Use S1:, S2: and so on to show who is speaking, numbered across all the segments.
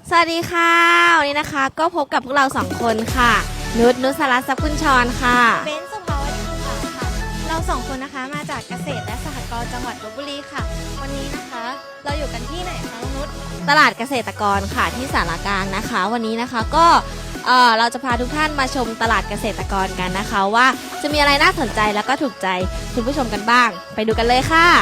S1: สวัสดีค่ะวันนี้นะคะก็พบกับพวกเรา2คนค่ะนุชสรัตน์ทรัพย์กุลชรค่ะ
S2: เบนซ์สุภาวดีค่ะเรา2คนนะคะมาจากเกษตรและสหกรณ์จังหวัดลพบุรีค่ะวันนี้นะคะเราอยู่กันที่ไหนคะนุช
S1: ตลาดเกษตรกรค่ะที่สารกลางนะคะ วันนี้นะคะก็เราจะพาทุกท่านมาชมตลาดเกษตรกรกันนะคะ ว่าจะมีอะไรน่าสนใจแล้วก็ถูกใจคุณผู้ชมกันบ้างไปดูกันเลยค่ะ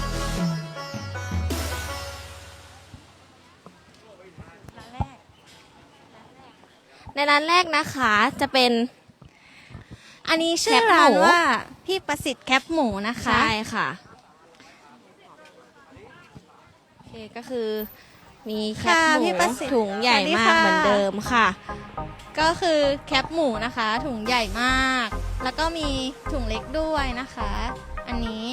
S1: ในร้านแรกนะคะจะเป็น
S2: อันนี้ชื่อร้านว่าพี่ประสิทธิ์แคปหมูนะคะ
S1: ใช่ค่ะโอเคก็คือมีแคปหมูถุงใหญ่มากเหมือนเดิมค่ะ
S2: ก็คือแคปหมูนะคะถุงใหญ่มากแล้วก็มีถุงเล็กด้วยนะคะอันนี้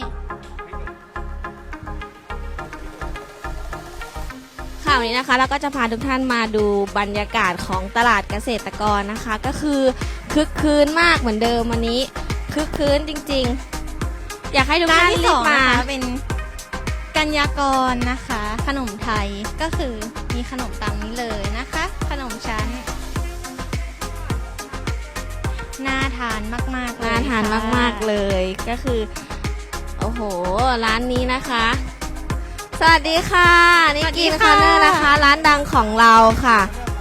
S1: ค่ะวันนี้นะคะเราก็จะพาทุกท่านมาดูบรรยากาศของตลาดเกษตรกรนะคะก็คือคึกคืนมากเหมือนเดิมวันนี้คึกคืนจริงๆอยากให้ทุกท่านรีบมา
S2: เป็นกัญญากรนะคะขนมไทยก็คือมีขนมตามนี้เลยนะคะขนมชั้นน่าทานมากๆเลย
S1: น่าทานมากๆเลยก็คือโอ้โหร้านนี้นะคะสวัสดีค่ะนี่กินคอร์เนอร์นะคะร้านดังของเราค่ะ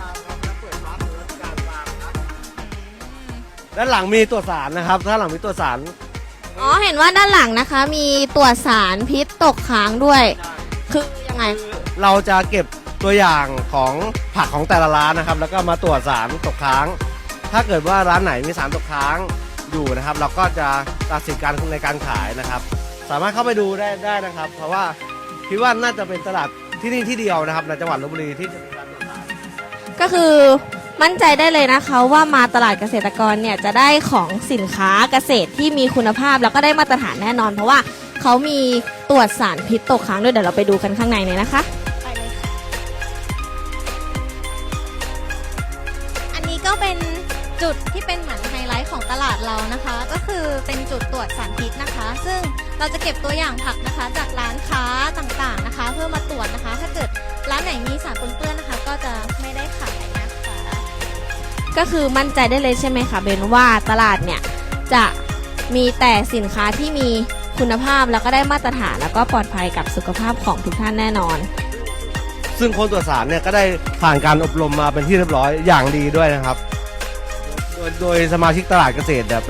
S3: ด้านหลังมีตรวจสารนะครับด้านหลังมีตรวจสาร
S1: อ๋อเห็นว่าด้านหลังนะคะมีตรวจสารพิษตกค้างด้วยคือยังไง
S3: เราจะเก็บตัวอย่างของผักของแต่ละร้านนะครับแล้วก็มาตรวจสารตกค้างถ้าเกิดว่าร้านไหนมีสารตกค้างอยู่นะครับเราก็จะตัดสินการในการขายนะครับสามารถเข้าไปดูได้นะครับเพราะว่าคิดว่าน่าจะเป็นตลาดที่นี่ที่เดียวนะครับในจังหวัดลพบุรีที่จะมีการตรวจสาร
S1: ก็คือมั่นใจได้เลยนะคะว่ามาตลาดเกษตรกรเนี่ยจะได้ของสินค้าเกษตรที่มีคุณภาพแล้วก็ได้มาตรฐานแน่นอนเพราะว่าเขามีตรวจสารพิษตกค้างด้วยเดี๋ยวเราไปดูกันข้างในเลยนะคะ
S2: ไปเลยค่ะอันนี้ก็เป็นจุดที่เป็นเหมือนไฮไลท์ของตลาดเรานะคะก็คือเป็นจุดตรวจสารพิษนะคะซึ่งเราจะเก็บตัวอย่างผักนะคะจากร้านค้าต่างๆนะคะเพื่อมาตรวจนะคะถ้าเกิดร้านไหนมีสารปนเปื้อนนะคะก็จะไม่ได้ขายนะคะ
S1: ก็คือมั่นใจได้เลยใช่ไหมคะเบนว่าตลาดเนี่ยจะมีแต่สินค้าที่มีคุณภาพแล้วก็ได้มาตรฐานแล้วก็ปลอดภัยกับสุขภาพของทุกท่านแน่นอน
S3: ซึ่งคนตรวจสารเนี่ยก็ได้ผ่านการอบรมมาเป็นที่เรียบร้อยอย่างดีด้วยนะครับโดยสมาชิกตลาดเกษตรเนี่ย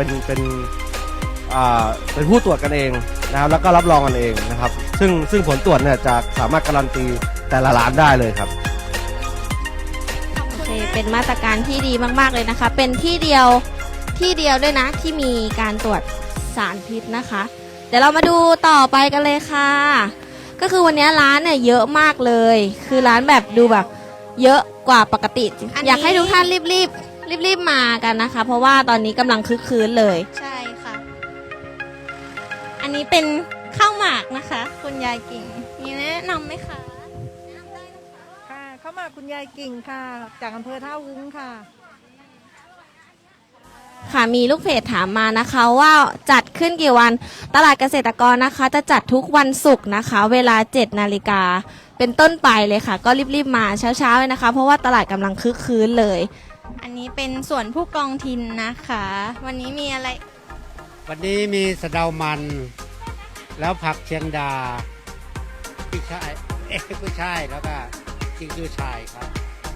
S3: เป็นผู้ตรวจกันเองนะครับแล้วก็รับรองกันเองนะครับซึ่งผลตรวจเนี่ยจะสามารถการันตีแต่ละร้านได้เลยครับ
S1: โอเคเป็นมาตรการที่ดีมากๆเลยนะคะเป็นที่เดียวด้วยนะที่มีการตรวจสารพิษนะคะเดี๋ยวเรามาดูต่อไปกันเลยค่ะก็คือวันนี้ร้านเนี่ยเยอะมากเลยคือร้านแบบดูแบบเยอะกว่าปกติอยากให้ทุกท่านรีบมากันนะคะเพราะว่าตอนนี้กำลังคึกคืนเลย
S2: ใช่ค่ะอันนี้เป็นข้าวหมากนะคะคุณยายกิ่งมีแนะนำไหมคะแนะนำได้นะคะ
S4: ค่ะข้าวหมากคุณยายกิ่งค่ะจากอำเภอท่าวุ้งค่ะ
S1: ค่ะมีลูกเพจถามมานะคะว่าจัดขึ้นกี่วันตลาดเกษตรกรนะคะจะจัดทุกวันศุกร์นะคะเวลา 7 นาฬิกาเป็นต้นไปเลยค่ะก็รีบมาเช้าๆเลยนะคะเพราะว่าตลาดกำลังคึกคืนเลย
S2: อันนี้เป็นส่วนผู้กองทินนะคะวันนี้มีอะไร
S5: วันนี้มีสะเดามันแล้วผักเชียงดาพี่ชายผู้ชายแล้วก็จิงจูชายครับ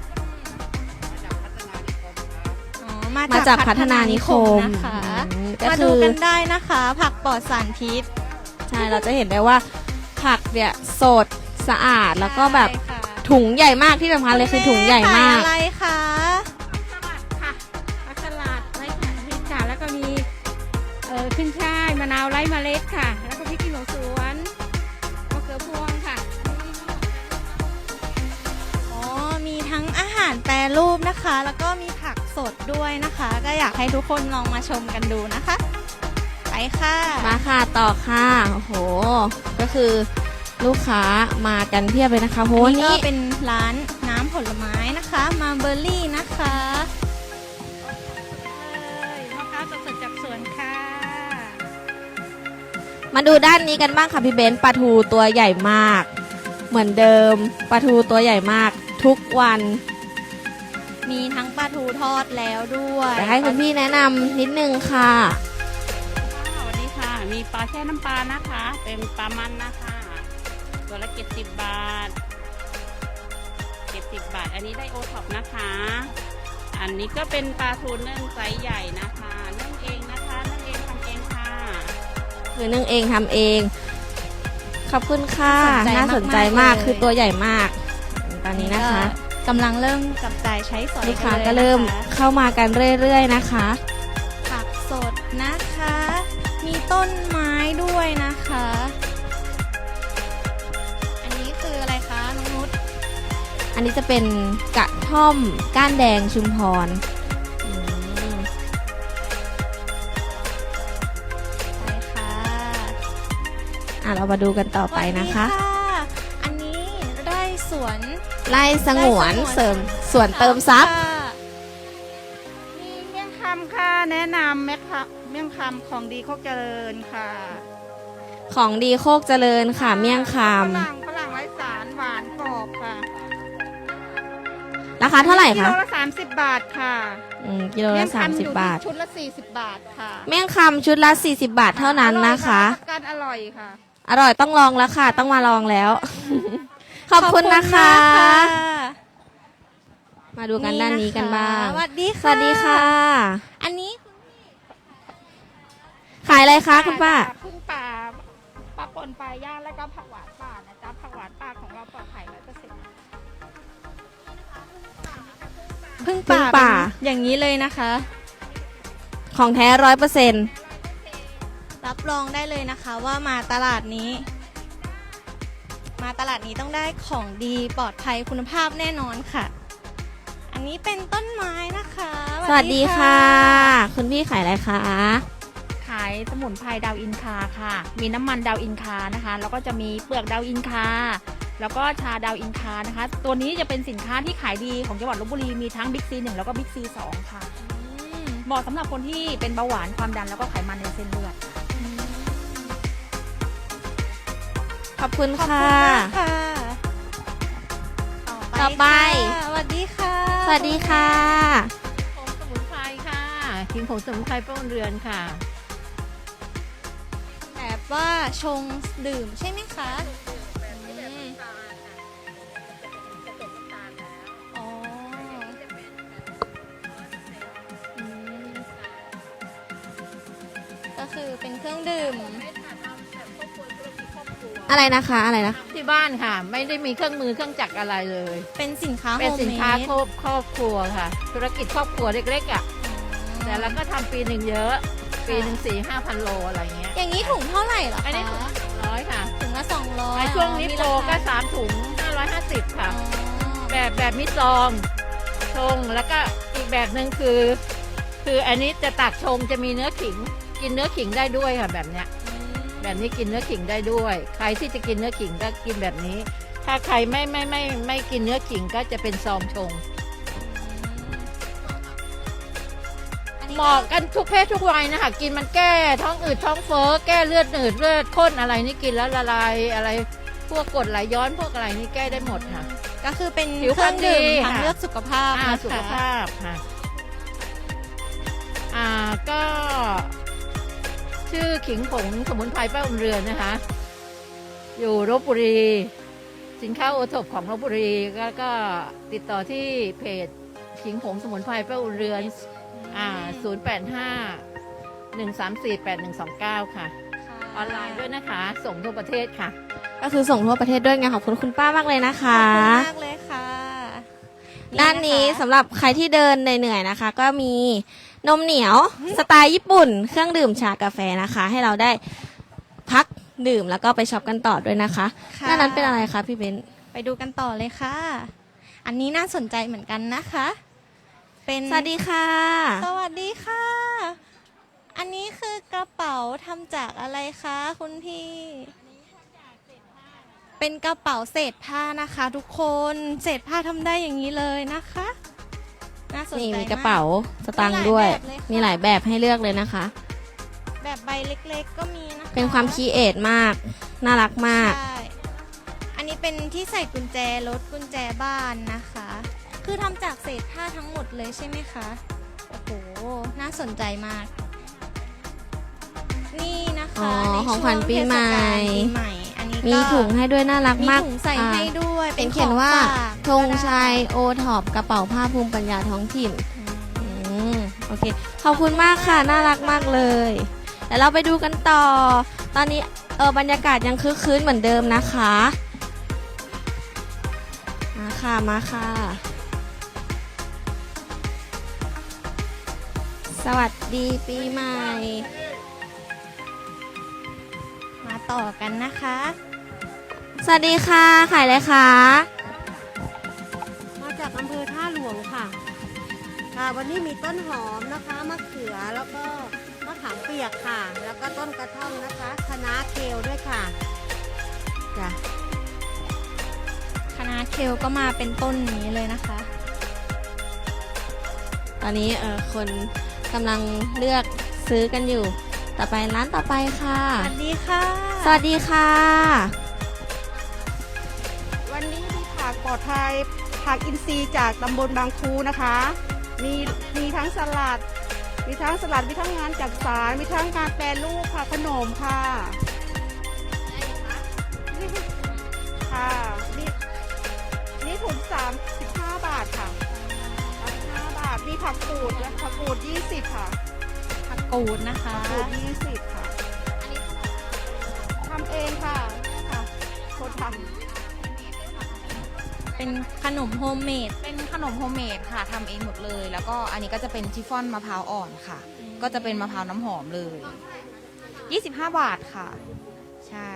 S1: มาจากพัฒนานิคม
S2: นะคะมาดูกันได้นะคะผักปลอดสารพิษ
S1: ใช่เราจะเห็นได้ว่าผักเนี่ยสดสะอาดแล้วก็แบบถุงใหญ่มากที่สำคัญเลยคือถุงใหญ่มาก
S2: อะไรคะ
S6: สลัดค่ะผักสลัดไร้สารพิษค่ะแล้วก็มีขึ้นช่ายมะนาวไร้เมล็ดค่ะแล้วก็พริกขี้หนูสวนมะเขือพวงค่ะ
S2: อ๋อมีทั้งอาหารแปรรูปนะคะแล้วก็มีผักสดด้วยนะคะก็อยากให้ทุกคนลองมาชมกันดูนะคะไปค่ะ
S1: มาค่ะต่อค่ะโอ้โหก็คือลูกค้ามากันเพียบเลยนะคะโห
S2: นี่ก็เป็นร้านน้ำผลไม้นะคะมาเบอร์รี่นะคะ
S6: มะพร้าวสดๆจากสวนค่ะ
S1: มาดูด้านนี้กันบ้างค่ะพี่เบนปลาทูตัวใหญ่มากเหมือนเดิมปลาทูตัวใหญ่มากทุกวัน
S2: มีทั้งปลาทูทอดแล้วด้วย
S1: เดี๋ยวให้คุณพี่แนะนำนิดนึงค่ะ
S6: สวัสดีค่ะ มีปลาแช่น้ำปลานะคะ เป็นปลามันนะคะตัวละ70 บาท70 บาท อันนี้ได้โอท็อปนะคะ อันนี้ก็เป็นปลาทูนึ่งไซส์ใหญ่นะคะนึ่งเองนะคะนึ่งเองทำเองค่ะ
S1: คือนึ่งเองทำเอง ขอบคุณค่ะ
S2: น่า
S1: น่า
S2: ส
S1: ส
S2: น
S1: น
S2: ใจ
S1: ใจ
S2: มาม
S1: าก ก
S2: เลย
S1: คือตัวใหญ่มาก ตอนนี้นะคะ
S2: กำลังเริ่มจับจ่ายใช้สอย
S1: ลูกค้า
S2: นลย
S1: ก็เริ่ม
S2: นะคะ
S1: เข้ามากันเรื่อยๆนะคะ
S2: ผักสดนะคะ มีต้นไม้ด้วยนะคะ อันนี้คืออะไรคะน้องนุช
S1: อันนี้จะเป็นกระท่อมก้านแดงชุมพรอืม
S2: ใช่ค่ะ
S1: เรามาดูกันต่อไปนะคะ
S2: สวัสดีอันนี้ได้สวน
S1: ไล่สงวนเสริมสวนเติมทรัพย์
S2: ค่ะ
S6: มีเมี่ยงคำค่ะ แนะนำเมี่ยงคำของดีโคกเจริญค่ะ
S1: ของดีโคกเจริญค่ะ เมี่ยงค
S6: ฝรั่งไร้สารหวานกรอบค่ะ
S1: ำราคาเท่าไหร่
S6: กิ
S1: คะ
S6: โลละ30 บาทค่ะ
S1: กิโล
S6: เมี่
S1: ละ
S6: ยงคำอยู่
S1: 30 บาท
S6: ที่ชุดละ40 บาทค่ะ
S1: เมี่ยงคำชุดละ40 บาทเท่านั้นนะคะ
S6: รับประกันอร่อยค่ะ
S1: อร่อยต้องลองแล้วค่ะ ต้องมาลองแล้ว ขอบคุณนะคะ
S2: ขอบณมากค่ะ
S1: มาดูกันด้านนี้กันบ้าง
S2: สวัสดี
S1: ส
S2: ค่ะ
S1: วัสดีค่ะ
S2: อันนี้
S1: ขายอะไรคะคุณป้า
S6: พึ่งป่าปลาปนปลาย่างแล้วก็ผักหวานป่านะจ๊ะผักหวานป่าของเราปลอดภัย100%
S2: พึ่ง
S1: พึ่งป่า
S2: เป็นอย่างนี้เลยนะคะ
S1: ของแท้100%
S2: รับรองได้เลยนะคะว่ามาตลาดนี้ มาตลาดนี้ต้องได้ของดีปลอดภัยคุณภาพแน่นอนค่ะ อันนี้เป็นต้นไม้นะคะ
S1: สวัสดีค่ะ คุณพี่ขายอะไรคะ
S7: ขายสมุนไพรดาวอินคาค่ะ มีน้ำมันดาวอินคานะคะ แล้วก็จะมีเปลือกดาวอินคา แล้วก็ชาดาวอินคานะคะ ตัวนี้จะเป็นสินค้าที่ขายดีของจังหวัดลบบุรี มีทั้งบิ๊กซี1แล้วก็บิ๊กซี2ค่ะ เหมาะสำหรับคนที่เป็นเบาหวานความดันแล้วก็ไขมันในเส้นเลือด
S1: ขอบคุณ
S2: ขอบ
S1: ค่ะ
S2: คุณมากค่ะ
S1: ต่อไป
S2: ค่ะสวัสดีค่ะ
S1: สวัสดีค่ะ
S7: ผงสมุนไพรค่ะขิงผงสมุนไพรป้องเรือนค่ะ
S2: แบบว่าชงดื่มใช่ไหมคะอ๋ออืมก็คือเป็นเครื่องดื่ม
S1: อะไรนะคะอะไรนะ
S7: ที่บ้านค่ะ ไม่ได้มีเครื่องมือเครื่องจักรอะไรเลย
S2: เป็นสินค้าโฮ
S7: เป็น
S2: ม
S7: สิน
S2: เม
S7: ค้า
S2: ด
S7: ครอบครัวค่ะ ธุรกิจครอบครัวเล็กๆอ่ะ แต่เราก็ทำปีหนึ่งเยอะ ปีหนึ่ง4-5,000 โลอะไรเงี้ย
S2: อย่างนี้ถุงเท่าไหร่เหรอ
S7: อันนี้ถุง
S2: คะ
S7: 200ค่ะ
S2: ถุงละ200
S7: ในช่วงนี้
S2: มี
S7: โปร
S2: รา
S7: ก็
S2: คา
S7: 3 ถุง 550 ค่ะ
S2: อ๋อ
S7: แบบมีซอง ชง แล้วก็อีกแบบหนึ่งคืออันนี้จะตักชงจะมีเนื้อขิง กินเนื้อขิงได้ด้วยค่ะแบบเนี้ย แบบนี้กินเนื้อขิงได้ด้วย ใครที่จะกินเนื้อขิงก็กินแบบนี้ ถ้าใครไม่กินเนื้อขิงก็จะเป็นซองชง
S2: อันนี้
S7: เหมาะกันทุกเพศทุกวัยนะคะกินมันแก้ท้องอืดท้องเฟ้อแก้เลือดหนืดเลือดข้นอะไรนี่กินแล้วละลายอะไรพวกกรดไหลย้อนพวกอะไรนี่แก้ได้หมดค่ะ
S2: ก็คือเป็น
S7: ผิว
S2: เครื่องดื่ม
S7: พรรณดี
S2: ทาง
S7: ค่ะ
S2: เลือกสุขภาพนะคะ
S7: สุขภาพค่ะก็ชื่อขิงผงสมุนไพรป้าอุ่นเรือนนะคะ อยู่ลบบุรี สินค้าโอท็อปของลบบุรีก็ติดต่อที่เพจขิงผงสมุนไพรป้าอุ่นเรือน085-134-8129 ค่ะ ออนไลน์ด้วยนะคะ ส่งทั่วประเทศค่ะ
S1: ก็คือส่งทั่วประเทศด้วยไงขอบคุณคุณป้ามากเลยนะคะ
S2: ขอบคุณมากเลยค่ะ
S1: ด้านนี้
S2: ะคะ
S1: สำหรับใครที่เดินเหนื่อยๆนะคะ ก็มีนมเหนียวสไตล์ญี่ปุ่น เครื่องดื่มชากาแฟนะคะ ให้เราได้พักดื่มแล้วก็ไปช็อปกันต่อด้วยนะคะ
S2: ค่ะ
S1: ด้านนั้นเป็นอะไรคะพี่เบนซ์
S2: ไปดูกันต่อเลยค่ะ อันนี้น่าสนใจเหมือนกันนะคะ เป็น
S1: สวัสดีค่ะ
S2: สวัสดีค่ะ อันนี้คือกระเป๋าทำจากอะไรคะคุณพี่ เป็นกระเป๋าเศษผ้านะคะ ทุกคน เศษผ้าทำได้อย่างนี้เลยนะคะ น่าสนใจ
S1: นี่มี
S2: ม
S1: กระเป๋าสตางค์ด้วย
S2: มี
S1: มี
S2: ห
S1: ห
S2: ลา
S1: ลาย ย
S2: แบ
S1: แบบ บให้เลือกเลยนะคะ
S2: แบบใบเล็กๆก็มีนะคะ
S1: เป็นความคีเอทมาก น่ารักมาก
S2: ใช่ อันนี้เป็นที่ใส่กุญแจรถกุญแจบ้านนะคะคือทำจากเศษผ้าทั้งหมดเลยใช่ไหมคะ โอ้โห น่าสนใจมาก นี่นะคะ
S1: อ๋อ
S2: ใน
S1: ของ
S2: ช่ว
S1: ขวัญปีใหม่
S2: เทศกาลปีใหม่ อันนี้ก็
S1: มีถุงให้ด้วยน่ารัก
S2: มี
S1: มาก
S2: ถุงใส่ให้ด้วย
S1: เป็นเขียนว่า
S2: ของฝาก
S1: ธงชัยโอท็อปกระเป๋าผ้าภูมิปัญญาท้องถิ่น โอเค ขอบคุณมากค่ะ น่ารักมากเลยเดี๋ยวเราไปดูกันต่อ ตอนนี้บรรยากาศยังคึกคืนเหมือนเดิมนะคะ มาค่ะ มาค่ะ สวัสดีปีใหม่
S2: มาต่อกันนะคะ
S1: สวัสดีค่ะ ขายอะไรคะ
S8: มาจากอำเภอท่าหลวงค่ะ ค่ะ วันนี้มีต้นหอมนะคะ มะเขือ แล้วก็มะขามเปียกค่ะ แล้วก็ต้นกระท่อมนะคะคะน้าเคลด้วยค่ะ จ้ะ
S2: คณะเคลก็มาเป็นต้นนี้เลยนะคะ
S1: ตอนนี้คนกำลังเลือกซื้อกันอยู่ ต่อไปร้านต่อไปค่ะ
S2: สวัสดีค่ะ
S1: สวัสดีค่ะ
S9: วันนี้มีผักปลอดภัยผักอินทรีย์จากตำบลบางครูนะคะ มีทั้งสลัด มีทั้งงานจักสานมีทั้งการแปรรูปค่ะขนมค่ะค่ะนี่ถุง35 บาทค่ะ35 บาทมีผักกูดและผักกูด20ค่ะ
S2: ผักกูดนะคะ
S9: ผักกูด20ค่ะทำเองค่ะคนทำ
S2: เป็นขนมโฮมเมด
S7: เป็นขนมโฮมเมดค่ะทำเองหมดเลย แล้วก็อันนี้ก็จะเป็นชิฟฟ่อนมะพร้าวอ่อนค่ะ ก็จะเป็นมะพร้าวน้ำหอมเลย 25 บาทค่ะ ใช่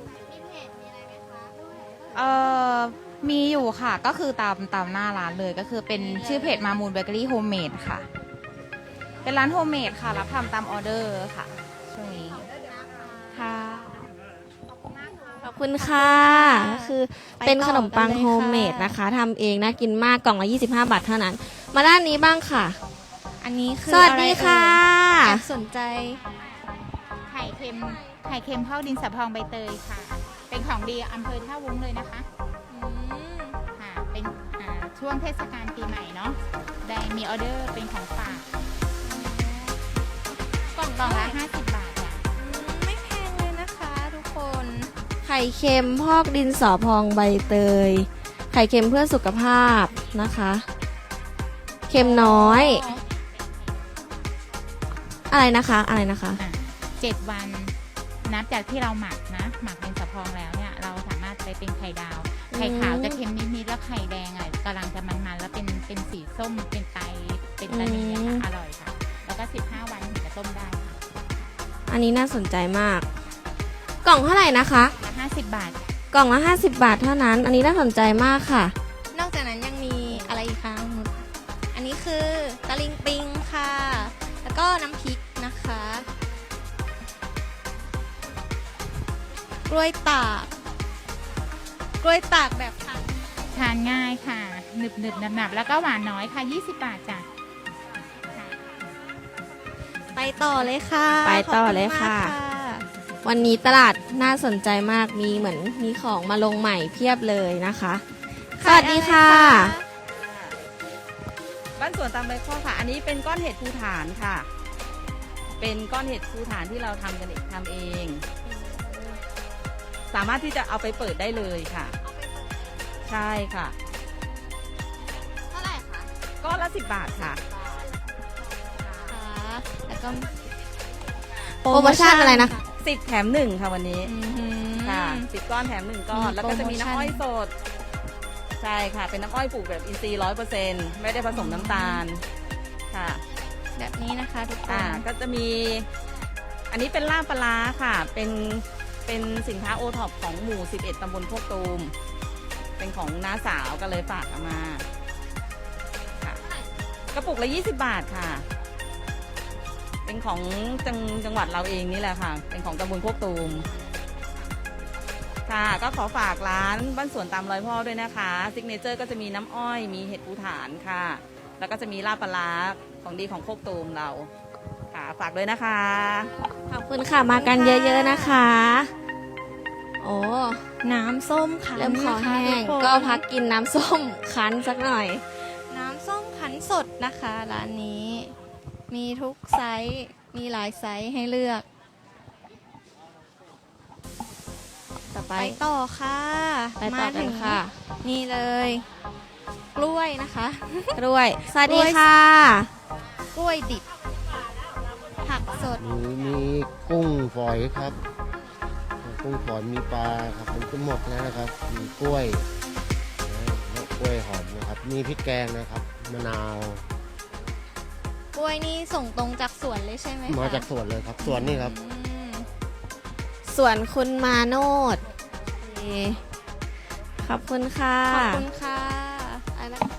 S7: มีอยู่ค่ะ ก็คือตามหน้าร้านเลยก็คือเป็นชื่อเพจมามูลเบเกอรี่โฮมเมดค่ะ เป็นร้านโฮมเมดค่ะ รับทำตามออเดอร์ค่ะ ช่วงนี้ค่ะ
S1: ขอบคุณค่ะก็คือเป็นขนมปังโฮมเมดนะคะทำเองน่ากินมากกล่องละ25 บาทเท่านั้น มาด้านนี้บ้างค่ะ
S2: อันนี้คือ
S1: สวัสดีค่ะ
S2: แอบสนใจ
S7: ไข่เค็มข้าวดินสะพองใบเตยค่ะ เป็นของดีอำเภอท่าวุ้งเลยนะคะ ค่ะ เป็นช่วงเทศกาลปีใหม่เนาะ ได้มีออเดอร์เป็นของฝาก กล่องละ50 บาทจ้ะ
S2: ไม่แพงเลยนะคะทุกคน
S1: ไข่เค็มพอกดินสอพองใบเตย ไข่เค็มเพื่อสุขภาพนะคะ เค็มน้อย อะไรนะคะ
S7: 7 วันนับจากที่เราหมักดินสะพองแล้วเนี่ย เราสามารถไปเป็นไข่ดาว ไข่ขาวจะเค็มนิดๆแล้วไข่แดงอ่ะกำลังจะมันๆแล้วเป็นสีส้มเป็นไตเป็นตะนีอะค่ะอร่อยค่ะ แล้วก็15 วันถึงจะต้มได้ค่ะ
S1: อันนี้น่าสนใจมาก กล่องเท่าไหร่นะคะ
S7: ละ50 บาท
S1: กล่องละ50 บาทเท่านั้น อันนี้น่าสนใจมากค่ะ
S2: นอกจากนั้นยังมีอะไรอีกคะน้องนุชอันนี้คือตะลิงปิงค่ะ แล้วก็น้ำพริกนะคะ กล้วยตากแบบทาน
S7: ทานง่ายค่ะ หนึบหนับแล้วก็หวานน้อยค่ะ 20 บาทจ้ะ
S2: ไปต่อเลยค่ะ
S1: ไปต่อเลยค่ะ
S2: ขอบณมาก
S1: วันนี้ตลาดน่าสนใจมากมีเหมือนมีของมาลงใหม่เพียบเลยนะคะ สวัสดีค่ะ
S10: บ้านสวนตามใบข้อค่ะ อันนี้เป็นก้อนเห็ดภูฐานค่ะ เป็นก้อนเห็ดภูฐานที่เราทำกันเองทำเอง สามารถที่จะเอาไปเปิดได้เลยค่ะ ใช่ค่ะ
S2: เท่าไหร่คะ
S10: ก้อนละ10 บาทค่ะ
S2: ค่ะแล้วก็
S1: โปรโมชั่นอะไรนะคะ
S10: 10 แถม 1 ค่ะวันนี้ ค่ะ10 ก้อนแถม 1 ก้อน
S2: มี
S10: แล้วก็จะมี
S2: โปรโมชั่น
S10: น้ำอ้อยสด ใช่ค่ะ เป็นน้ำอ้อยปลูกแบบอินทรีย์100%ไม่ได้ผสมน้ำตาล ค่ะ
S2: แบบนี้นะคะทุกคน
S10: ก็จะมี อันนี้เป็นลาบปลาร้าค่ะ เป็นสินค้าโอท็อปของหมู่ 11 ตำบลโคกตูม เป็นของน้าสาวก็เลยฝากเอามาค่ะกระปุกละ20 บาทค่ะ เป็นของจังหวัดเราเองนี่แหละค่ะ เป็นของตำบลโคกตูม ค่ะ ก็ขอฝากร้านบ้านสวนตามรอยพ่อด้วยนะคะ ซิกเนเจอร์ก็จะมีน้ำอ้อย มีเห็ดปูฐานค่ะ แล้วก็จะมีลาบปลาร้าของดีของโคกตูมเรา ค่ะ ฝากด้วยนะคะ
S1: ขอบคุณค่ะ มากันเยอะๆนะคะ โอ้
S2: น้ำส้มค่ะ
S1: เริ่มคอแห้ง
S2: ทุคน
S1: ก็พักกินน้ำส้มคั้นสักหน่อย
S2: ส้มคั้นสดนะคะร้านนี้ มีทุกไซส์มีหลายไซส์ให้เลือก
S1: ต่อไป
S2: ไปต่อค่ะ
S1: ไปต่อกันค่ะ
S2: นี่เลย กล้วยนะคะ
S1: กล้วย สวัสดีค่ะ
S2: กล้วยดิบ ผักสด
S5: มีกุ้งฝอยครับ กุ้งฝอยมีปลาครับมันก็หมดแล้วนะครับ มีกล้วยแล้วกล้วยหอมนะครับ มีพริกแกงนะครับ มะนาว
S2: กล้วยนี่ส่งตรงจากสวนเลยใช่ไหมคะ
S5: มาจากสวนเลยครับ สวนนี่ครับ
S2: อืม
S1: ส่วนคุณมาโนดขอบคุณค่ะ
S2: ขอบคุณค่ะ
S1: อะไรนะ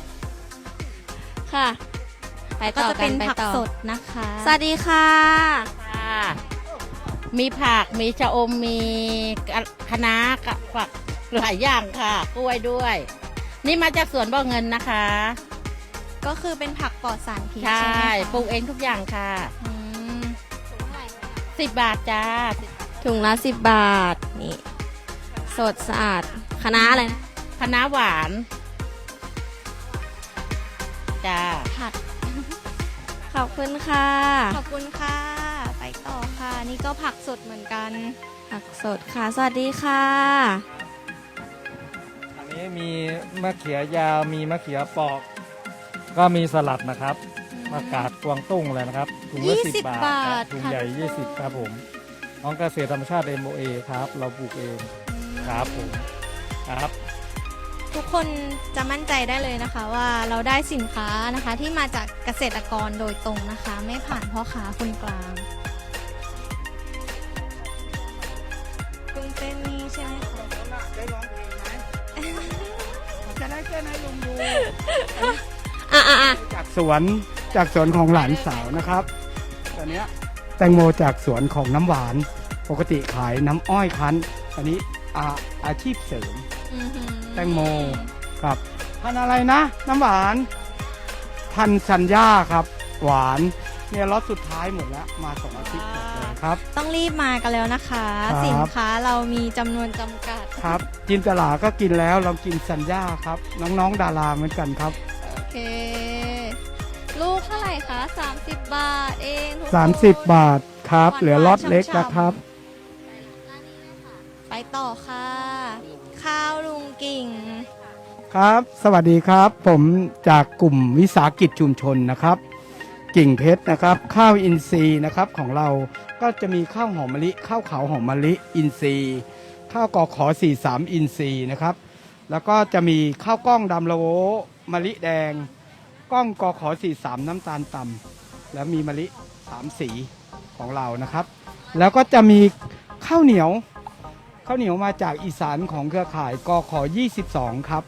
S1: ค่ะ ไป
S2: ก็
S1: ต่อ
S2: จะ
S1: กั
S2: เป็น น
S1: ไป
S2: ผัก
S1: ต่อ
S2: สดนะคะ
S1: สวัสดีค่ะ
S6: มีผัก มีชะอม มีคะน้ากับผักหลายอย่างค่ะ กล้วยด้วย นี่มาจากสวนบ่อเงินนะคะ
S2: ก็คือเป็นผักปลอดสารพิษ
S6: ใช่
S2: ใช่ไหมคะ
S6: ปลูกเองทุกอย่างค่ะ
S2: อืม
S6: 10 บาทจ้า
S1: ถุงละ10 บาท นี่ สดสะอาดคะน้าอะไรนะ
S6: คะน้าหวานจ้า
S2: ผัด
S1: ขอบคุณค่ะ
S2: ขอบคุณค่ะ ไปต่อค่ะ นี่ก็ผักสดเหมือนกัน
S1: ผักสดค่ะ สวัสดีค่ะ
S11: อันนี้มีมะเขือยาว มีมะเขือปอก ก็มีสลัดนะครับมากาดกวางตุ้งเลยนะครับ ถุงละ
S2: 20
S11: 10 บาท
S2: บาท
S11: ถุง
S2: ค่ะ
S11: ใหญ่
S2: ทุกคน
S11: 20 ครับผมของเกษตรธรรมชาติ MOA ครับ เราปลูกเองครับผมครับ
S2: ทุกคนจะมั่นใจได้เลยนะคะว่าเราได้สินค้านะคะที่มาจากเกษตรกรโดยตรงนะคะ ไม่ผ่านพ่อค้าคนกลางกุ้งเต้นนี่ใช่ไหมคะ
S5: ได้ร้องเพลงไหมจะได้แค่ไหนลงดู
S12: จากสวนของหลานสาวนะครับตอนเนี้ยแตงโมจากสวนของน้ำหวาน ปกติขายน้ำอ้อยคั้นตอนนี้อาชีพเสริม
S2: อื้อหือ
S12: แตงโมครับพันธุ์อะไรนะ น้ำหวานพันธุ์สัญญาครับ หวานเนี่ยล็อตสุดท้ายหมดแล้วมา2 อาทิตย์หมดเลยครับ
S2: ต้องรีบมากันแล้วนะคะ
S12: ครับ
S2: สินค้าเรามีจำนวนจำกัด
S12: ครับจินตลาก็กินแล้วเรากินสัญญาครับ น้องๆดาราเหมือนกันครับ
S2: โอเค ลูกเท่าไหร่คะ30 บาทเองทุกคน
S12: 30 บาทครับเหลือล็อตเล็กนะครับ
S2: ไปต่อค่ะ ข้าวลุงกิ่ง
S12: ครับ สวัสดีครับ ผมจากกลุ่มวิสาหกิจชุมชนนะครับ กิ่งเพชรนะครับ ข้าวอินทรีย์นะครับของเราก็จะมีข้าวหอมมะลิ ข้าวขาวหอมมะลิอินทรีย์ ข้าวกอขอ43อินทรีย์นะครับ แล้วก็จะมีข้าวกล้องดำละโวมะลิแดง กล้องกอขอ43น้ำตาลต่ำแล้วมีมะลิ3สีของเรานะครับ แล้วก็จะมีข้าวเหนียวมาจากอีสานของเครือข่ายกอขอ22ครับ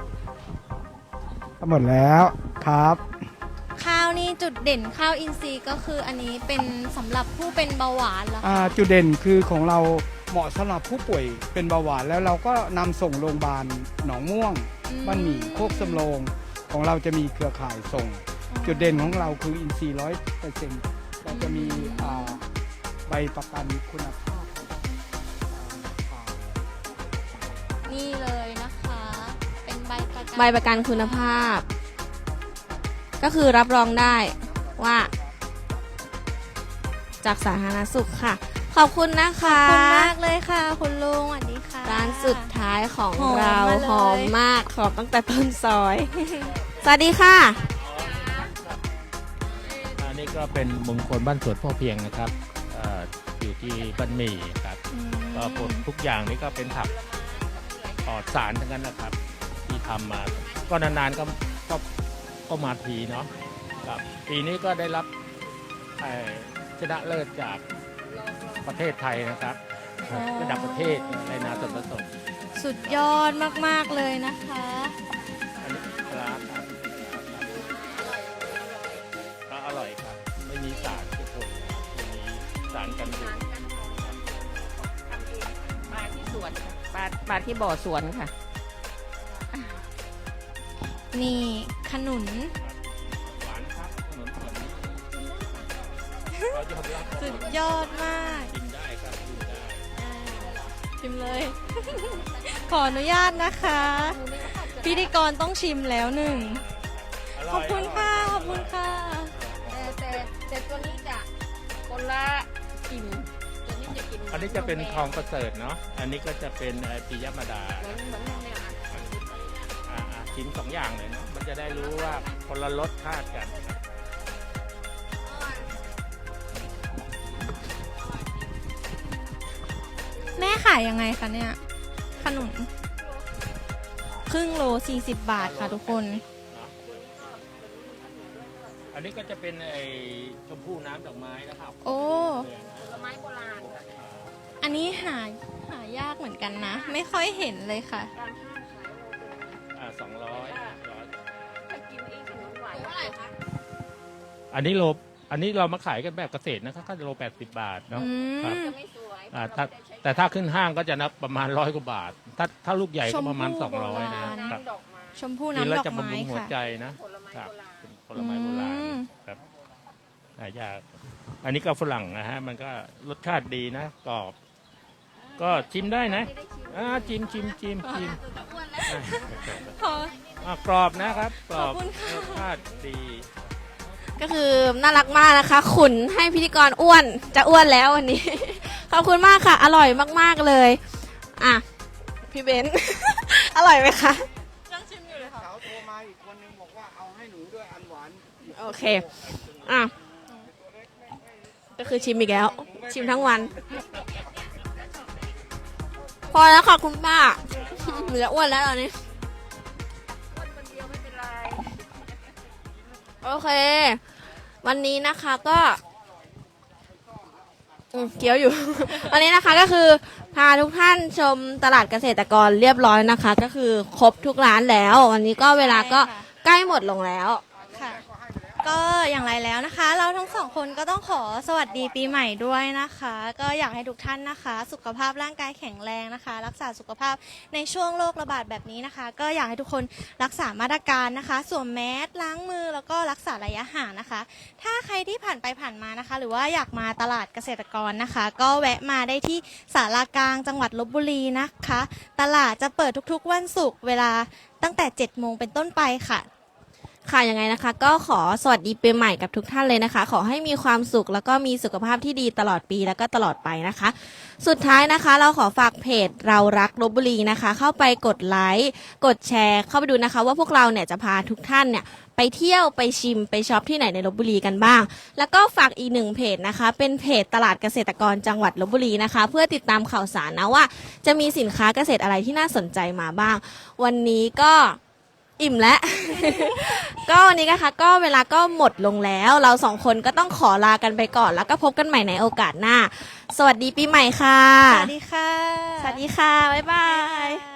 S12: หมดแล้วครับ
S2: ข้าวนี่จุดเด่นข้าวอินทรีย์ก็คืออันนี้เป็นสำหรับผู้เป็นเบาหวานเหรอคะ
S12: จุดเด่นคือของเราเหมาะสำหรับผู้ป่วยเป็นเบาหวานแล้วเราก็นำส่งโรงพยาบาลหนองม่วงบ้านหมี่โคกสำโรงของเราจะมีเครือข่ายส่ง จุดเด่นของเราคืออินทรีย์100%เราจะมีใบประกันคุณภาพ
S2: นี่เลยนะคะ เป็นใบประกัน
S1: ใบประกันคุณภาพ ก็คือรับรองได้ว่า จากสาธารณสุขค่ะ ขอบคุณนะคะ
S2: ขอบคุณมากเลยค่ะ คุณลุงสวัสดีค่ะ
S1: ร้านสุดท้ายของ
S2: หอม
S1: เรา
S2: มาเลย
S1: หอมมากหอมตั้งแต่ต้นซอย สวัสดีค่ะ
S13: อันนี้ก็เป็นมงคลบ้านสวนพ่อเพียงนะครับอยู่ที่บ้านหมี่ครับก็ผลทุกอย่างนี้ก็เป็นผักปลอดสารทั้งนั้นนะครับ ที่ทำมาก็นานๆก็มาทีเนาะครับปีนี้ก็ได้รับชนะเลิศจากประเทศไทยนะครับระดับประเทศในนาส่วนผสม
S2: สุดยอดมากๆเลยนะคะ
S13: อันนี้ปลาครับก็อร่อยครับไม่มีสารทุกคนไม่มีสารกันบูด
S6: มาที่สวนค่ะมาที่บ่อสวนค่ะ
S2: นี่ขนุน
S13: หวานครับขนมปังเรายอมรับ
S2: สุดยอดมาก
S13: กินได้ครับกินได้
S2: ชิมเลย ขออนุญาตนะคะ พิธีกรต้องชิมแล้วหนึ่งขอบคุณค่ะ ขอบคุณค่ะ
S6: แต่ตัวนี้จะคนละกินตัวนี้จะกิน
S13: อันนี้จะเป็นทองประเสริฐเนาะอันนี้ก็จะเป็นปิยมดา
S6: เหมือนเนี่ย
S13: ชิ้นสองอย่างเลยเนาะมันจะได้รู้ว่าคนละรสชาติกัน
S2: แม่ขายยังไงคะเนี่ย ขนมครึ่งโล40 บาทค่ะทุกคน
S13: อันนี้ก็จะเป็นไอ้ชมพู่น้ำดอกไม้นะครับ
S2: โอ้
S6: ผลไม้โบราณ
S2: อันนี้หายากเหมือนกันนะ ไม่ค่อยเห็นเลยค่ะ
S13: 200
S6: ถ้ากินเองขนมหวานเท่าไหร่คะ
S13: อันนี้เรามาขายกันแบบเกษตรนะครับก็โล80 บาทเนาะครับ
S6: จะไม่สวย
S13: แต่ถ้าขึ้นห้างก็จะนับประมาณ100 กว่าบาท ถ้าลูกใหญ่ก็ประมาณ
S2: ชมพู่โบราณ
S13: 200นะครับ
S2: ชมพู่
S13: กิน
S2: น้ำ
S13: แล้ว
S2: ดอก
S13: จะบำ
S2: ไม้
S13: รุงหัว
S2: ค่ะ
S13: ใจนะครับเป็นผลไม้โบราณครับหายากอันนี้ก็ฝรั่งนะฮะมันก็รสชาติดีนะกรอบ ก็ชิมได้นะชิม
S2: ขอ
S13: กรอบนะครับกรอบ
S2: ขอบคุณค่ะ
S13: รสชาติดี
S1: ก็คือน่ารักมากนะคะ ขุนให้พิธีกรอ้วนจะอ้วนแล้ววันนี้ ขอบคุณมากค่ะ อร่อยมากๆเลยอ่ะพี่เบนซ์ อร่อยไหมคะยังชิมอยู่เลยค่ะเขาโทรมาอีกคนนึงบอกว่าเอาให้หนูด้วยอันหวานโอเคอ่ะก็คือชิมอีกแล้ว ชิมทั้งวัน พอแล้วค่ะคุณป้าหนูจะอ้วนแล้วตอนนี้โอเค วันนี้นะคะก็เกี่ยวอยู่ วันนี้นะคะก็คือพาทุกท่านชมตลาดเกษตรกรเรียบร้อยนะคะ ก็คือครบทุกร้านแล้ว วันนี้ก็เวลาก็ใกล้หมดลงแล้ว
S2: ค่ะ ก็อย่างไรแล้วนะคะ เราทั้งสองคนก็ต้องขอสวัสดีปีใหม่ด้วยนะคะ ก็อยากให้ทุกท่านนะคะ สุขภาพร่างกายแข็งแรงนะคะ รักษาสุขภาพในช่วงโรคระบาดแบบนี้นะคะ ก็อยากให้ทุกคนรักษามาตรการนะคะสวมแมสล้างมือแล้วก็รักษาระยะห่างนะคะ ถ้าใครที่ผ่านไปผ่านมานะคะ หรือว่าอยากมาตลาดเกษตรกรนะคะ ก็แวะมาได้ที่ศาลากลางจังหวัดลบบุรีนะคะ ตลาดจะเปิดทุกๆวันศุกร์เวลาตั้งแต่ 7 โมงเป็นต้นไปค่ะ
S1: ค่ะยังไงนะคะก็ขอสวัสดีปีใหม่กับทุกท่านเลยนะคะ ขอให้มีความสุขแล้วก็มีสุขภาพที่ดีตลอดปีแล้วก็ตลอดไปนะคะ สุดท้ายนะคะเราขอฝากเพจเรารักลพบุรีนะคะ เข้าไปกดไลค์กดแชร์เข้าไปดูนะคะ ว่าพวกเราเนี่ยจะพาทุกท่านเนี่ยไปเที่ยวไปชิมไปช็อปที่ไหนในลพบุรีกันบ้าง แล้วก็ฝากอีกหนึ่งเพจนะคะเป็นเพจตลาดเกษตรกรจังหวัดลพบุรีนะคะ เพื่อติดตามข่าวสารนะว่าจะมีสินค้าเกษตรอะไรที่น่าสนใจมาบ้างวันนี้ก็อิ่มแล้ว ก็วันนี้นะคะก็เวลาก็หมดลงแล้วเราสองคนก็ต้องขอลากันไปก่อนแล้วก็พบกันใหม่ในโอกาสหน้าสวัสดีปีใหม่ค่ะ
S2: สวัสดีค่ะ
S1: สวัสดีค่ะบ๊ายบาย